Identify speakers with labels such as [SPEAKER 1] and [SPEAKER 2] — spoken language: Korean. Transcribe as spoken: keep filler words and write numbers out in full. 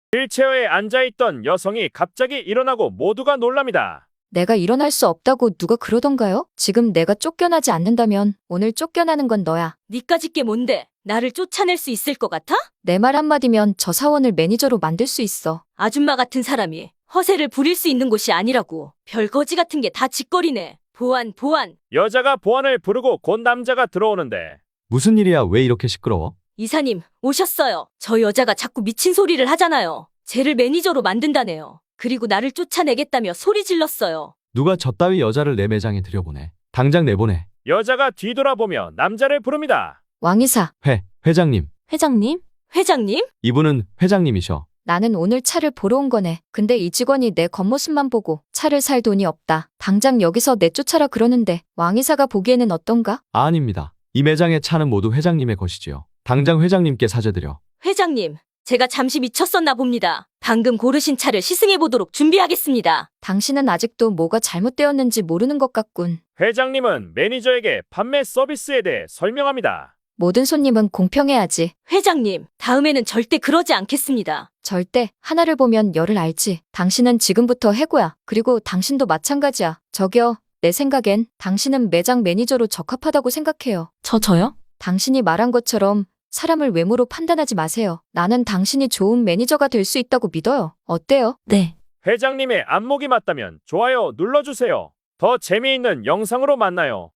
[SPEAKER 1] 휠체어에 앉아있던 여성이 갑자기 일어나고 모두가 놀랍니다.
[SPEAKER 2] 내가 일어날 수 없다고 누가 그러던가요? 지금 내가 쫓겨나지 않는다면 오늘 쫓겨나는 건 너야.
[SPEAKER 3] 니까짓 게 뭔데? 나를 쫓아낼 수 있을 것 같아?
[SPEAKER 2] 내 말 한마디면 저 사원을 매니저로 만들 수 있어.
[SPEAKER 3] 아줌마 같은 사람이 허세를 부릴 수 있는 곳이 아니라고. 별거지 같은 게 다 짓거리네. 보안, 보안.
[SPEAKER 1] 여자가 보안을 부르고 곧 남자가 들어오는데
[SPEAKER 4] 무슨 일이야? 왜 이렇게 시끄러워?
[SPEAKER 3] 이사님, 오셨어요. 저 여자가 자꾸 미친 소리를 하잖아요. 쟤를 매니저로 만든다네요. 그리고 나를 쫓아내겠다며 소리 질렀어요.
[SPEAKER 4] 누가 저 따위 여자를 내 매장에 들여보내. 당장 내보내.
[SPEAKER 1] 여자가 뒤돌아보며 남자를 부릅니다.
[SPEAKER 2] 왕이사,
[SPEAKER 4] 회, 회장님.
[SPEAKER 3] 회장님? 회장님?
[SPEAKER 4] 이분은 회장님이셔.
[SPEAKER 2] 나는 오늘 차를 보러 온 거네. 근데 이 직원이 내 겉모습만 보고 차를 살 돈이 없다. 당장 여기서 내쫓아라 그러는데 왕이사가 보기에는 어떤가?
[SPEAKER 4] 아, 아닙니다. 이 매장의 차는 모두 회장님의 것이지요. 당장 회장님께 사죄드려.
[SPEAKER 3] 회장님, 제가 잠시 미쳤었나 봅니다. 방금 고르신 차를 시승해보도록 준비하겠습니다.
[SPEAKER 2] 당신은 아직도 뭐가 잘못되었는지 모르는 것 같군.
[SPEAKER 1] 회장님은 매니저에게 판매 서비스에 대해 설명합니다.
[SPEAKER 2] 모든 손님은 공평해야지.
[SPEAKER 3] 회장님, 다음에는 절대 그러지 않겠습니다.
[SPEAKER 2] 절대 하나를 보면 열을 알지. 당신은 지금부터 해고야. 그리고 당신도 마찬가지야. 저기요, 내 생각엔 당신은 매장 매니저로 적합하다고 생각해요.
[SPEAKER 3] 저, 저요?
[SPEAKER 2] 당신이 말한 것처럼 사람을 외모로 판단하지 마세요. 나는 당신이 좋은 매니저가 될 수 있다고 믿어요. 어때요?
[SPEAKER 3] 네.
[SPEAKER 1] 회장님의 안목이 맞다면 좋아요 눌러주세요. 더 재미있는 영상으로 만나요.